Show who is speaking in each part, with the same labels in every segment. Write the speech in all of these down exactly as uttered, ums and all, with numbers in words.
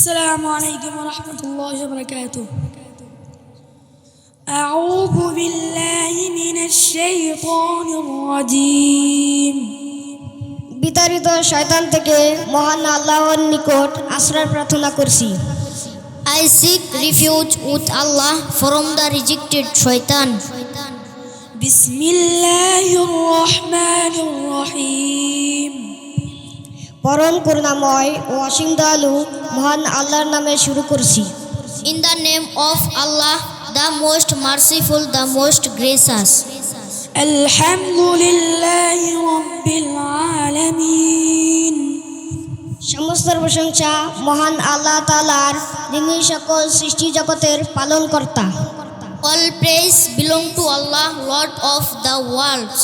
Speaker 1: السلام عليكم ورحمة الله وبركاته. أعوذ بالله من الشيطان الرجيم.
Speaker 2: বিতাড়িত শয়তান থেকে মহান আল্লাহর নিকট আশ্রয় প্রার্থনা করছি।
Speaker 3: I seek refuge with Allah from the rejected shaitan.
Speaker 1: بسم الله الرحمن الرحيم.
Speaker 2: পরম করুণাময় ও অসীম দয়ালু মহান আল্লাহর নামে শুরু করছি।
Speaker 3: In the name of Allah, the most merciful, the most gracious.
Speaker 1: الحمد لله رب العالمين.
Speaker 2: সমস্ত প্রশংসা মহান আল্লাহ তাআলার, যিনি সকল সৃষ্টি জগতের পালনকর্তা।
Speaker 3: All praise belong to Allah, Lord of the worlds.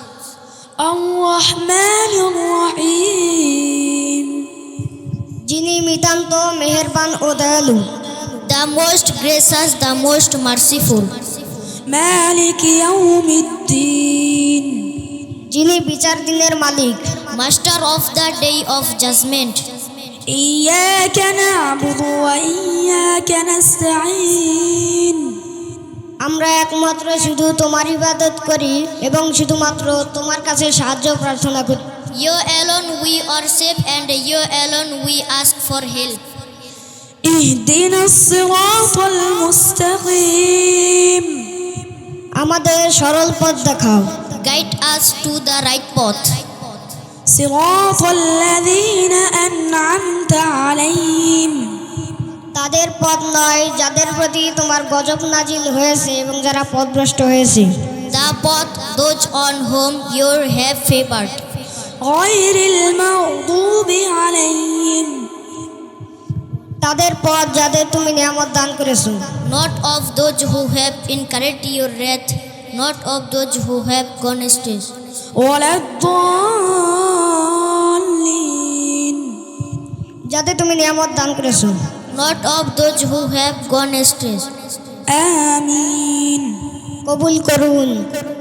Speaker 1: الرحمن الرحيم.
Speaker 2: যিনি নিতান্ত মেহেরবান ও দয়ালু।
Speaker 3: The most gracious, the most merciful.
Speaker 1: مالك يوم الدين.
Speaker 2: যিনি বিচার দিনের মালিক।
Speaker 3: Master of the day of judgment.
Speaker 1: إياك نعبد وإياك نستعين.
Speaker 2: আমরা একমাত্র শুধু তোমার ইবাদত করি এবং শুধুমাত্র তোমার কাছে সাহায্য প্রার্থনা করি।
Speaker 3: You alone we worship and you alone we ask for help.
Speaker 1: اهدنا الصراط المستقيم.
Speaker 2: আমাদের সরল পথ দেখাও।
Speaker 3: Guide us to the right path.
Speaker 1: صراط الذين أنعمت عليهم.
Speaker 2: তাদের পথ নয় যাদের প্রতি তোমার গজব নাজিল হয়েছে এবং যারা পথভ্রষ্ট হয়েছে।
Speaker 3: The path those on whom you have favored.
Speaker 1: غير المغضوب عليهم.
Speaker 2: তাদের পথ যাদের তুমি নিয়ামত দান করেছো।
Speaker 3: Not of those who have incurred your wrath, not of those who have gone astray.
Speaker 1: ولا الضالين.
Speaker 2: যাদের তুমি নিয়ামত দান করেছো।
Speaker 3: Not of those who have gone astray.
Speaker 1: آمين.
Speaker 2: কবুল করুন।